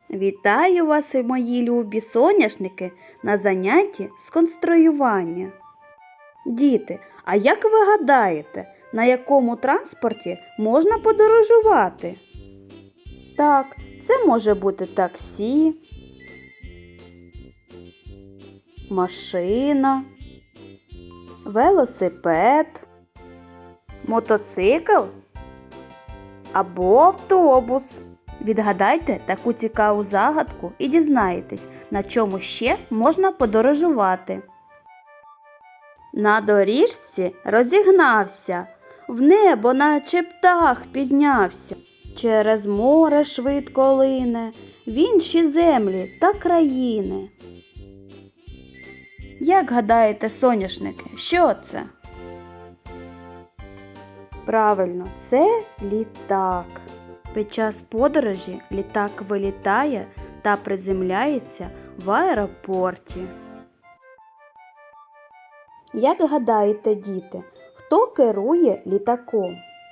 Вітаю вас, мої любі соняшники, на занятті з конструювання. Діти, а як ви гадаєте, на якому транспорті можна подорожувати? Так, це може бути таксі, машина, велосипед, мотоцикл або автобус. Відгадайте таку цікаву загадку і дізнаєтесь, на чому ще можна подорожувати. На доріжці розігнався, в небо наче птах піднявся. Через море швидко лине, в інші землі та країни. Як гадаєте, соняшники, що це? Правильно, це літак. Під час подорожі літак вилітає та приземляється в аеропорті. Як гадаєте, діти, хто керує літаком?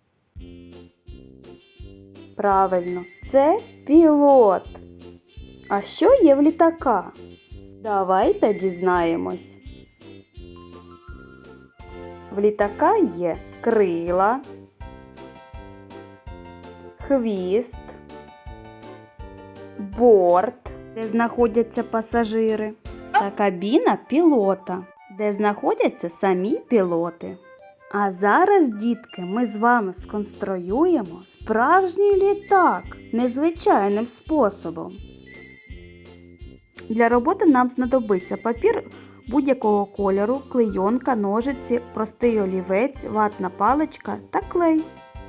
Правильно, це пілот. А що є в літака? Давайте дізнаємось. В літака є крила, хвіст, борт, де знаходяться пасажири, та кабіна пілота, де знаходяться самі пілоти. А зараз, дітки, ми з вами сконструюємо справжній літак незвичайним способом. Для роботи нам знадобиться папір будь-якого кольору, клейонка, ножиці, простий олівець, ватна паличка та клей.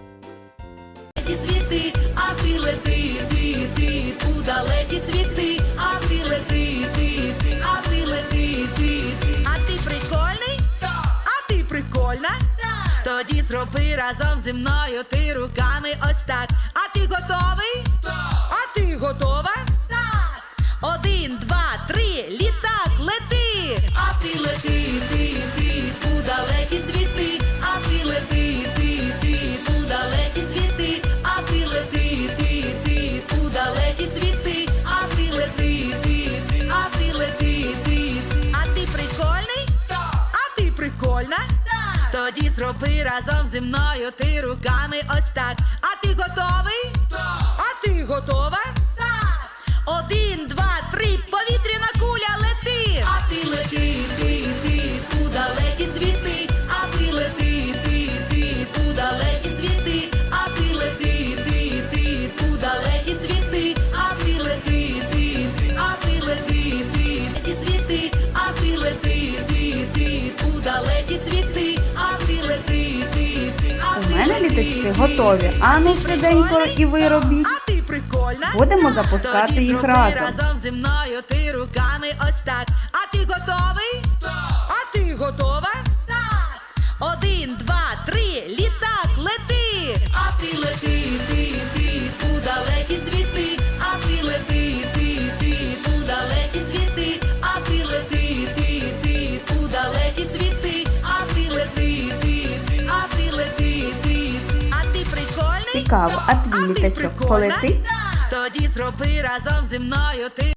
Світи, а ти лети, ти, у далекі світи, а ти лети, ти, а ти лети, ти. А ти прикольний? Так. А ти прикольна? Так. Тоді зроби разом зі мною ти руками ось так. А ти готовий? Так. А ти готова? Так. 1, 2, 3, літак, лети! А ти лети, ти, у далекі світи, а ти лети, ти, у далекі світи. А ти лети, ти, у далекі світи, а ти лети, а ти лети, А ти прикольний? Так. А ти прикольна? Так. Тоді зроби разом зі мною ти руками ось так. А ти готовий? Так. А ти готова? Так. 1, 2, 3, повітряна куля, лети! А ти лети, ти, у далекі світи, а ти лети, ти, у далекі світи, а ти лети, ти, у далекі світи, а ти лети, а ти лети, ті світи, а ти лети, у далекі світи, а ти лети, У мене літачки готові. Ану швиденько і ви робіть. А ти прикольна? Будемо запускати Тоді їх зроби разом. зі мною ти руками ось так. А ти готовий? Так. А ти готова? Так. 1, 2, 3, літак, лети! А ти лети, ти, у далекі світи, а ти лети, ти, у далекі світи, а ти лети, ти, у далекі світи, а ти лети, а ти лети, А ти прикольний? Цікаво, а твій літачок полетить? Тоді зроби разом зі мною ти